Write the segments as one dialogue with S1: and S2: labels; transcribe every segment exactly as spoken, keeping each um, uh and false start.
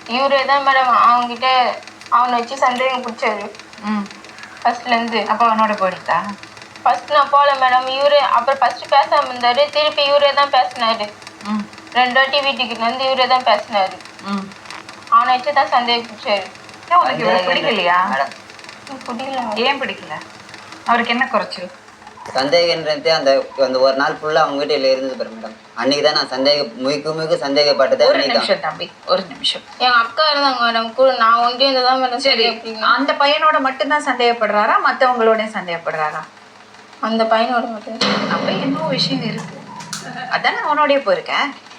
S1: இவரே தான் மேடம் அவங்ககிட்ட அவனை வச்சு சந்தேகம் பிடிச்சாரு. ம் ஃபர்ஸ்ட்லேருந்து. அப்போ அவனோட போயிட்டா? ஃபர்ஸ்ட் நான் போகல மேடம். இவரு அப்புறம் ஃபர்ஸ்ட் பேசாமல் இருந்தாரு. திருப்பி இவரே தான் பேசினாரு. ம் ரெண்டு வாட்டி வீட்டுக்கு வந்து இவரே தான் பேசினாரு. ம் அவனை வச்சு தான் சந்தேகம் பிடிச்சாரு. உனக்கு இவரை பிடிக்கலையா? பிடிக்கல. ஏன் பிடிக்கல? அவருக்கு என்ன குறைச்சல்?
S2: சந்தேகன்றது அந்த அந்த ஒரு நாள் ஃபுல்லாக அவங்க வீட்டில் இருந்தது பாரு மேடம். அன்னைக்கு தான் நான் சந்தேக முழுக்க முழுக்க சந்தேகப்பட்டது.
S3: ஒரு நிமிஷம் தம்பி, ஒரு நிமிஷம்.
S1: என் அக்கா இருந்தாங்க மேடம் கூட. நான் ஒன்றே இருந்ததான் மேடம்.
S3: சரி, அந்த பையனோட மட்டும்தான் சந்தேகப்படுறாரா மற்றவங்களோட சந்தேகப்படுறாரா?
S1: அந்த பையனோட மட்டும்.
S3: அப்ப இன்னும் விஷயம் இருக்கு. அதானே அவனோடய போயிருக்க.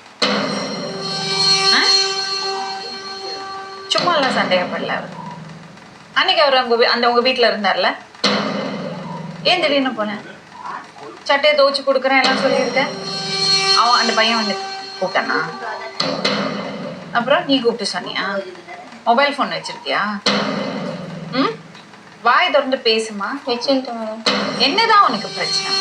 S3: சும்மா எல்லாம் சந்தேகப்படல அவர். அன்னைக்கு அவர் உங்க அந்த உங்க வீட்டுல இருந்தார்ல, ஏன் திடீர்னு போனேன்? சட்டையை துவச்சு கொடுக்குறேன் எல்லாம் சொல்லியிருக்கேன். அவன் அந்த பையன் வந்து கூப்பிட்டானா? அப்புறம் நீ கூப்பிட்டு சொன்னியா? மொபைல் ஃபோன் வச்சிருக்கியா? ம் வாய் திறந்து பேசுமா.
S1: வச்சுட்டேன் மேடம்.
S3: என்னதான் உனக்கு பிரச்சனை?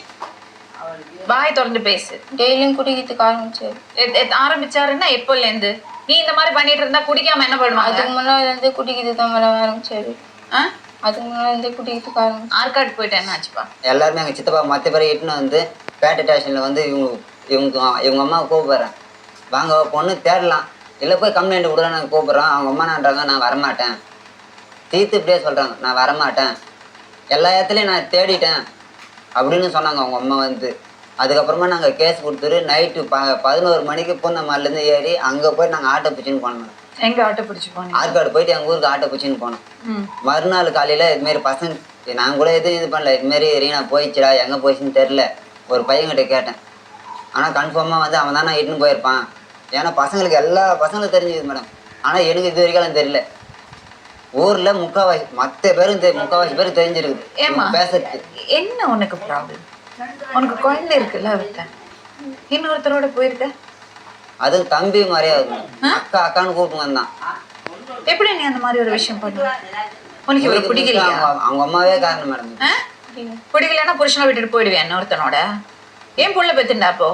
S3: வாய் திறந்து பேசு.
S1: டெய்லியும் குடிக்கிறதுக்கு ஆரம்பிச்சாரு.
S3: ஆரம்பிச்சாருன்னா எப்போலேருந்து? நீ இந்த மாதிரி பண்ணிட்டு இருந்தா குடிக்காம என்ன பண்ணுவாங்க?
S1: அதுக்கு முன்னாடி இருந்து குடிக்கிறது தான் மேடம் ஆரம்பிச்சாரு.
S3: ஆ
S1: அதுக்கு முன்னாடி இருந்து குடிக்கிறதுக்கு ஆரம்பிச்சு.
S3: ஆற்காடு போயிட்டு என்ன ஆச்சுப்பா?
S2: எல்லாருமே எங்கள் சித்தப்பா மற்ற பேரை இட்டுன்னு வந்து பேட்டை ஸ்டேஷனில் வந்து இவங்க இவங்க இவங்க அம்மாவை கூப்பிட்றேன். வாங்க பொண்ணு தேடலாம், இல்லை போய் கம்ப்ளைண்ட் கொடுக்க நாங்கள் கூப்பிட்றோம். அவங்க அம்மா நான்றாங்க நான் வரமாட்டேன். தீர்த்து இப்படியே சொல்கிறாங்க நான் வரமாட்டேன், எல்லா இடத்துலையும் நான் தேடிட்டேன் அப்படின்னு சொன்னாங்க அவங்க அம்மா வந்து. அதுக்கப்புறமா நாங்கள் கேஸ் கொடுத்துட்டு நைட்டு ப பதினோரு மணிக்கு பூந்தமல்லிலேருந்து ஏறி அங்கே போய் நாங்கள் ஆட்டோ பிடிச்சின்னு போனோம்.
S3: எங்கே ஆட்டோ பிடிச்சி போனோம்?
S2: ஆற்காடு போயிட்டு எங்கள் ஊருக்கு ஆட்டோ பிடிச்சின்னு போனோம். மறுநாள் காலையில் இதுமாரி பசங்க நாங்கள் கூட எதுவும் இது பண்ணல. இதுமாரி ரீனா போயிடுச்சுடா, எங்கே போயிடுச்சுன்னு தெரில. ஒரு பையன்கிட்ட கேட்டேன். ஆனால் கன்ஃபார்மாக வந்து அவன் தான் நான் இட்டுன்னு போயிருப்பான். ஏன்னா பசங்களுக்கு எல்லா பசங்களும் தெரிஞ்சுது மேடம். ஆனால் எனக்கு இது வரைக்கும் தெரியல. ஊரில் முக்கால்வாசி மற்ற பேரும் தெ முக்கால்வாசி பேரும் தெரிஞ்சிருக்குது.
S3: ஏமா
S2: பேசுறது
S3: என்ன உனக்கு ப்ராப்ளம்? உனக்கு குழந்தை இருக்குல்ல, அவர்கிட்ட இன்னொருத்தரோட போயிருக்க.
S2: அது தம்பி மாதிரியா அக்கா அக்கான்னு கூப்பிட்டு வந்தான்.
S3: எப்படி நீ அந்த மாதிரி ஒரு விஷயம் பண்ண? உனக்கு இவரை பிடிக்கலையா?
S2: அவங்க அம்மாவே காரணம் மேடம்.
S3: பிடிக்கலன்னா புருஷனை விட்டுட்டு போயிடுவேன் இன்னொருத்தனோட. ஏன் புள்ள பெத்துண்டா அப்போ?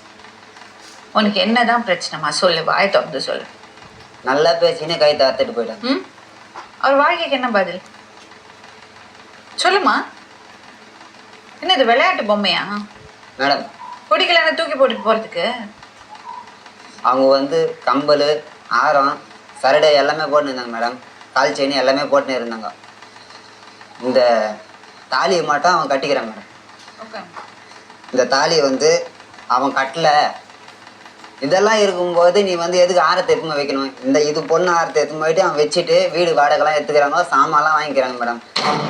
S3: உனக்கு என்னதான் பிரச்சனைமா சொல்லு, வாய் திறந்து சொல்லு.
S2: நல்லா பேசினே கை தாத்துட்டு போயிட்டான்.
S3: ம் அவர் வாழ்க்கைக்கு என்ன பதில் சொல்லுமா? என்ன இது விளையாட்டு பொம்மையா
S2: மேடம்?
S3: பிடிக்கலன்னா தூக்கி போட்டுட்டு போறதுக்கு?
S2: அவங்க வந்து கம்பல் ஆரம் சரடை எல்லாமே போட்டுன்னு இருந்தாங்க மேடம். கால் செயின் எல்லாமே போட்டுன்னு இருந்தாங்க. இந்த தாலியை மட்டும் அவன் கட்டிக்கிறான் மேடம். இந்த தாலி வந்து அவன் கட்டலை. இதெல்லாம் இருக்கும்போது நீ வந்து எதுக்கு ஆரத்தை எடுத்துமே வைக்கணும்? இந்த இது பொண்ணு ஆரத்தை எடுத்துன்னு போயிட்டு அவன் வச்சுட்டு வீடு வாடகைலாம் எடுத்துக்கிறாங்க, சாமான்லாம் வாங்கிக்கிறாங்க மேடம்.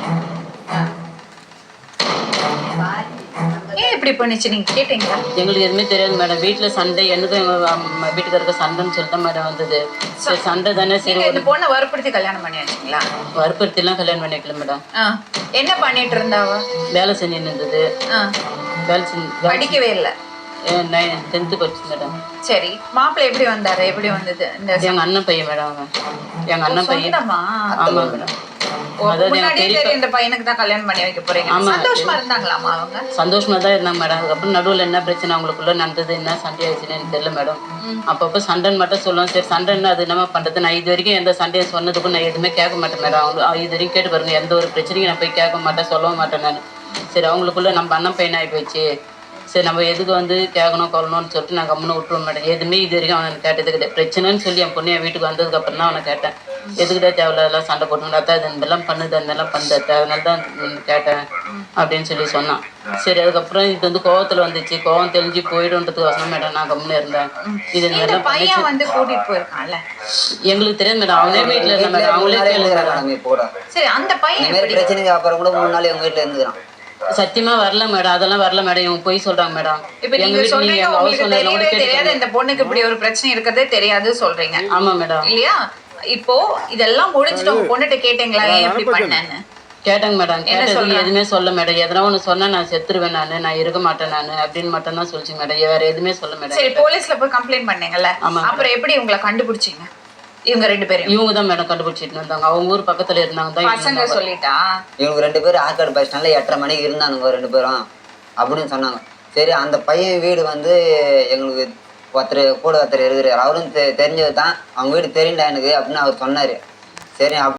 S3: ஏன் இப்படி பண்ணிச்சு நீங்க கேட்டீங்களா?
S4: எங்களுக்கு எதுவுமே தெரியாது மேடம். வீட்டுல சண்டை, எனக்கும் எங்க வீட்டுக்காரருக்கு சண்டைன்னு சொல்லிட்டு மேடம் வந்தது. சரி சண்டை தானே, சரி
S3: இந்த பொண்ணை வற்புறுத்தி கல்யாணம் பண்ணி வச்சிங்களா?
S4: வற்புறுத்தி எல்லாம் கல்யாணம் பண்ணிக்கல மேடம்.
S3: என்ன பண்ணிட்டு இருந்தாவா?
S4: வேலை செஞ்சுன்னு இருந்தது. வேலை செஞ்சு
S3: படிக்கவே இல்லை.
S4: டென்த்து படிச்சு மேடம்.
S3: சரி, மாப்பிள்ளை எப்படி வந்தாரு? எப்படி வந்தது?
S4: எங்க அண்ணன் பையன் மேடம். அவன் எங்க அண்ணன் பையன். ஆமா மேடம்.
S3: இந்த பையனுக்கு தான் கல்யாணம் பண்ணி வைக்க போறீங்க. சந்தோஷமா இருந்தாங்களாமா அவங்க?
S4: சந்தோஷமா தான் இருந்தாங்க மேடம். அதுக்கப்புறம் நடுவில் என்ன பிரச்சனை அவங்களுக்குள்ள நடந்தது, என்ன சண்டை ஆயிடுச்சுன்னு எனக்கு தெரியல மேடம். அப்பப்போ சண்டைன்னு மட்டும் சொல்லுவோம். சரி சண்டைன்னு அது என்ன பண்றது? நான் இது வரைக்கும் எந்த சண்டையை சொன்னதுக்கும் நான் எதுவுமே கேட்க மாட்டேன் மேடம். அவங்க இது வரைக்கும் கேட்டு பாருங்க, எந்த ஒரு பிரச்சனையும் நான் போய் கேட்க மாட்டேன், சொல்லவும் மாட்டேன் நான். சரி அவங்களுக்குள்ள நம்ம அண்ணன் பையன் ஆகி போயிடுச்சு, சரி நம்ம எதுக்கு வந்து கேட்கணும் கொள்ளணும்னு சொல்லிட்டு நான் கம்முன்னு விட்டுருவோம் மேடம். எதுவுமே இது வரைக்கும் அவனை கேட்டது கிடையாது. பிரச்சனைன்னு சொல்லி என் பொண்ணு என் வீட்டுக்கு வந்ததுக்கப்புறம் தான் அவனை கேட்டேன். எதுக்கிட்டே தேவையில்லாம் சண்டை போட்டுங்களா, அத்தா இது இதெல்லாம் பண்ணுது அதெல்லாம் பண்ணுது அத்தா, அதனால தான் கேட்டேன் அப்படின்னு சொல்லி சொன்னான். சரி அதுக்கப்புறம் இது வந்து கோவத்தில் வந்துச்சு. கோவம் தெளிஞ்சு போயிடும்ன்றதுக்கு வசனம் மேடம் நான் கம்முன்னு இருந்தேன். இது இதெல்லாம்
S3: பையன் வந்து கூட்டிட்டு போயிருக்கான்ல,
S4: எங்களுக்கு தெரியாது மேடம். அவனே வீட்டில் இருந்தா மேடம். அவங்களே
S2: கேளுங்க.
S3: சரி அந்த பையன்
S2: பிரச்சனைக்கு அப்புறம் கூட மூணு நாள் எங்க வீட்டில் இருந்துக்கிறான்.
S4: சத்தியமா வரல மேடம், அதெல்லாம் வரல மேடம். இவங்க போய் சொல்றாங்க மேடம்.
S3: இப்ப நீங்க சொல்றீங்க உங்களுக்கு தெரியவே தெரியாது, இந்த பொண்ணுக்கு இப்படி ஒரு பிரச்சனை இருக்கிறதே தெரியாது சொல்றீங்க.
S4: ஆமா மேடம்.
S3: இல்லையா? இப்போ இதெல்லாம் முடிஞ்சிட்டு உங்க பொண்ணுகிட்ட கேட்டீங்களா ஏன் இப்படி பண்ணேன்னு?
S4: கேட்டாங்க மேடம். கேட்டது எதுவுமே சொல்ல மேடம். எதனா ஒன்று சொன்னா நான் செத்துருவேன், நானு நான் இருக்க மாட்டேன் நானு அப்படின்னு மட்டும் தான் சொல்லிச்சு மேடம். வேற எதுவுமே சொல்ல மேடம்.
S3: சரி போலீஸ்ல போய் கம்ப்ளைண்ட் பண்ணீங்கல்ல, அப்புறம் எப்படி உங்களை கண்டுபிடிச்சீங்க? இவங்க ரெண்டு பேரும்
S4: இவங்க தான் மேடம் கண்டுபிடிச்சிட்டு வந்தாங்க. அவங்க ஊர் பக்கத்துல இருந்தாங்க தான்.
S3: பசங்க சொல்லிட்டா
S2: இவங்க ரெண்டு பேரும் ஆற்காடு பஸ் ஸ்டாண்ட்ல எட்டரை மணிக்கு இருந்தானுங்க ரெண்டு பேரும் அப்படின்னு சொன்னாங்க. சரி அந்த பையன் வீடு வந்து எங்களுக்கு ஒருத்தர் கூட ஒருத்தர் இருக்கிறார் அவரும் தெ தெரிஞ்சது தான் அவங்க வீடு தெரியுண்டா எனக்கு அப்படின்னு அவர் சொன்னார் சரி